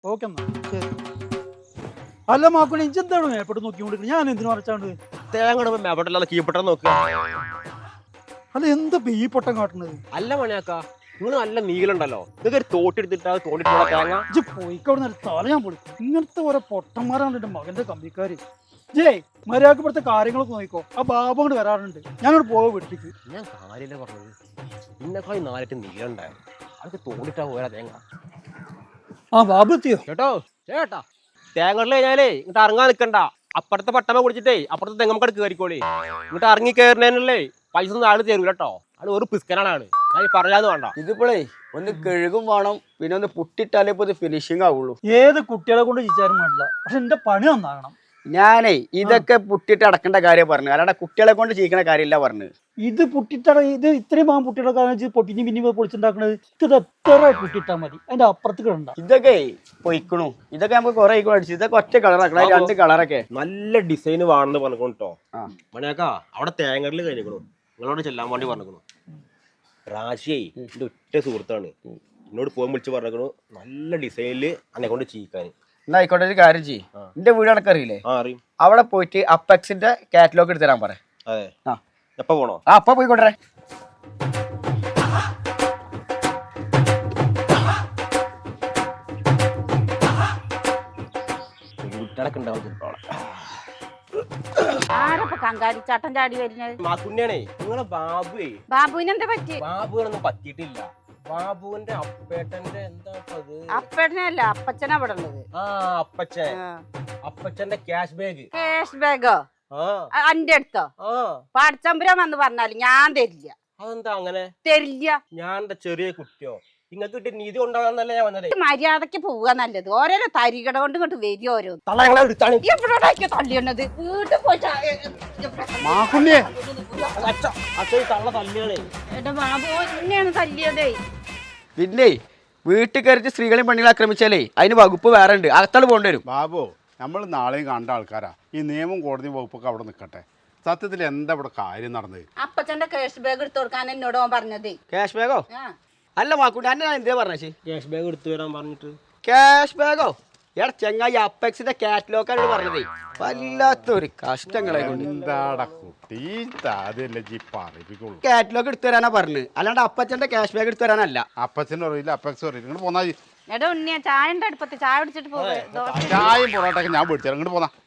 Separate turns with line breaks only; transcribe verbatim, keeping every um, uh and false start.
Okay എന്നാ ശരി. അല്ല മാക്കുണി ഇഞ്ചെന്താണ് മേപ്പെട്ട് നോക്കിക്കൊണ്ടിരിക്കുന്നത്? ഞാൻ എന്തിനു മറച്ചാണ്ട്
തേങ്ങ മേപ്പെട്ടല്ലാതെ കീപ്പെട്ടം നോക്കുക.
അല്ല എന്താ ഈ പൊട്ടം കാട്ടുന്നത്?
അല്ല മണിയാക്ക, നിങ്ങൾ നല്ല നീളുണ്ടല്ലോ, നിങ്ങൾക്ക് ഒരു തോട്ടെടുത്തിട്ടാ തോണ്ടിട്ടുള്ള തേങ്ങ.
ഇജ്ജ് പോയിക്കവിടെ നിന്ന് തല ഞാൻ പൊളിക്കും. ഇങ്ങനത്തെ ഓരോ പൊട്ടന്മാരാണ് എന്റെ മകന്റെ കമ്പിക്കാര്. ജയ് മര്യാദക്ക് ഇവിടുത്തെ കാര്യങ്ങളൊക്കെ നോക്കിക്കോ. ആ ബാബു കൊണ്ട് വരാറുണ്ട്, ഞാനോട് പോവാ വീട്ടിലേക്ക്.
ഞാൻ കാര്യമില്ല പറഞ്ഞത്, ഇന്നെക്കാളും നാലിട്ട് നീളുണ്ടായോ, അതൊക്കെ തോണ്ടിട്ടാ പോരാ തേങ്ങ.
ആ ബാബു എത്തിയോ?
കേട്ടോ ചേട്ടാ, തേങ്ങ കഴിഞ്ഞാലേ ഇങ്ങോട്ട് ഇറങ്ങാൻ നിൽക്കണ്ട. അപ്പുറത്തെ പട്ടമ കുടിച്ചിട്ടേ അപ്പുറത്തെ തെങ്ങമ്മക്കട് കയറിക്കോളി. ഇങ്ങോട്ട് ഇറങ്ങി കയറുന്നതിനല്ലേ പൈസ ഒന്നും ആള് തരൂല കേട്ടോ. ആള് ഒരു പിസ്കനാണ് ആള്, ഞാൻ പറയാന്ന് വേണ്ട.
ഇതിപ്പോഴേ ഒന്ന് കഴുകും വേണം, പിന്നെ ഒന്ന് പുട്ടിട്ടാലേ ഇപ്പൊ ഇത് ഫിനിഷിങ് ആവുള്ളൂ.
ഏത് കുട്ടികളെ കൊണ്ട് ചിച്ചാരും വേണ്ടില്ല, പക്ഷെ എന്റെ പണി നന്നാകണം.
ഞാനേ ഇതൊക്കെ പുട്ടിട്ട് അടക്കേണ്ട കാര്യം പറഞ്ഞു, അല്ലാണ്ട് കുട്ടികളെ കൊണ്ട് ചെയ്യിക്കണ കാര്യമില്ല പറഞ്ഞു.
ഇത് പുട്ടിട്ടട ഇത് ഇത്രയും ഭാഗം പുട്ടിയുടെ കാരണം പൊട്ടിഞ്ഞ് പിന്നെ പൊളിച്ചുണ്ടാക്കണത്. ഇത് എത്ര പുട്ടിട്ടാ മതി, അതിന്റെ അപ്പുറത്ത് കിടണ്ട.
ഇതൊക്കെ പൊയ്ക്കണു, ഇതൊക്കെ നമുക്ക് കുറെ അടിച്ചു. ഇതൊക്കെ ഒറ്റ കളറാക്കണം, രണ്ട് കളറൊക്കെ
നല്ല ഡിസൈൻ വേണമെന്ന് പറഞ്ഞിട്ടോ. മണിയാക്ക അവിടെ തേങ്ങറിൽ കഴിഞ്ഞിക്കണു, നിങ്ങളോട് ചെല്ലാൻ വേണ്ടി പറഞ്ഞിക്കണു. റാശിയേ എന്റെ ഒറ്റ സുഹൃത്താണ്, എന്നോട് പോകാൻ വിളിച്ച് പറഞ്ഞിക്കണു നല്ല ഡിസൈനില് അന്നെ കൊണ്ട് ചെയ്യിക്കാൻ.
എന്നാ ആയിക്കോട്ടെ, ഒരു കാര്യം ചെയ്യും. എന്റെ വീട് അടക്കറിയില്ലേ,
ആ അറിയും.
അവിടെ പോയിട്ട് അപ്പെക്സിന്റെ കാറ്റലോഗ് എടുത്ത് തരാൻ പറ.
അതെ, ആ എപ്പ പോണോ?
ആ അപ്പൊ പോയിക്കോട്ടെ.
കുട്ടികളൊക്കെ ഉണ്ടാവും.
ആരപ്പ കങ്കാരിച്ചാട്ടം ചാടി വരുന്നത്?
മാക്കുണ്ണിയാണേ നിങ്ങളെ ബാബുവേ.
ബാബുവിന് എന്താ പറ്റി?
ബാബുവിനൊന്നും പറ്റിയിട്ടില്ല. ബാബുവിന്റെ അപ്പേട്ടന്റെ എന്താ
അപ്പേട്ടനല്ല, അപ്പച്ചനാ ഇവിടെ ഉള്ളത്.
ആ അപ്പച്ചൻ, അപ്പച്ചന്റെ ക്യാഷ് ബാഗ്.
ക്യാഷ് ബാഗോ? അന്റെ അടുത്തോ? പാടച്ചമ്പുരം വന്ന് പറഞ്ഞാല് ഞാൻ തരില്ല.
അതെന്താ അങ്ങനെ?
തരില്ല.
ഞാൻ എന്താ ചെറിയ കുട്ടിയോ? നിങ്ങൾക്ക് കിട്ടിയ നീതി കൊണ്ടാണെന്നല്ലേ ഞാൻ വന്നത്.
മര്യാദക്ക് പോവുക നല്ലത്. ഓരോരോ തരികട കൊണ്ട് ഇങ്ങോട്ട് വരും. ഓരോ തള്ളിയത് വീട്ടിൽ പോയി എന്റെ ബാബു എന്നെയാണ് തല്ലിയതേ.
പിന്നെ വീട്ടിൽ കയറിച്ച് സ്ത്രീകളെയും പെണ്ണുകളെ ആക്രമിച്ചാലേ അതിന് വകുപ്പ് വേറെ ഉണ്ട്, അകത്താൾ പോകേണ്ടി വരും.
ബാബു, നമ്മൾ നാളെയും കണ്ട ആൾക്കാരാ. ഈ നിയമം കോടതി വകുപ്പൊക്കെ അവിടെ നിൽക്കട്ടെ. സത്യത്തിൽ എന്താ ഇവിടെ കാര്യം നടന്നത്?
അപ്പച്ചന്റെ ക്യാഷ് ബാഗ് എടുത്തു കൊടുക്കാൻ എന്നോട് പറഞ്ഞതേ.
ക്യാഷ് ബാഗോ? അല്ല മാക്കൂട്ടി, അന്നെ ഞാൻ എന്തേ പറഞ്ഞേ?
ക്യാഷ് ബാഗ് എടുത്തു വരാൻ പറഞ്ഞിട്ട്.
ക്യാഷ് ബാഗോ? എടാ ചെങ്ങായി, അപ്പെക്സിന്റെ കാറ്റലോഗാണ് പറഞ്ഞതേ. വല്ലാത്തൊരു കഷ്ടങ്ങളെ കൊണ്ട്.
എന്താടാ കുട്ടി, പറയിപ്പിക്കുള്ളൂ.
കാറ്റലോഗ് എടുത്തു തരാനാ പറഞ്ഞു, അല്ലാണ്ട് അപ്പച്ചന്റെ ക്യാഷ് ബാഗ് എടുത്തു തരാനല്ല.
അപ്പച്ചനും അറിയില്ല, അപ്പെക്സും അറിയില്ല. ഇങ്ങോട്ട് പോന്നാ
എടാ ഉണ്ണിയ ചായന്റെ അടുപ്പത്ത് ചായ പിടിച്ചിട്ട് പോവേ.
ചായയും പൊറോട്ടൊക്കെ ഞാൻ പിടിച്ചു. ഇങ്ങോട്ട് പോന്നാ.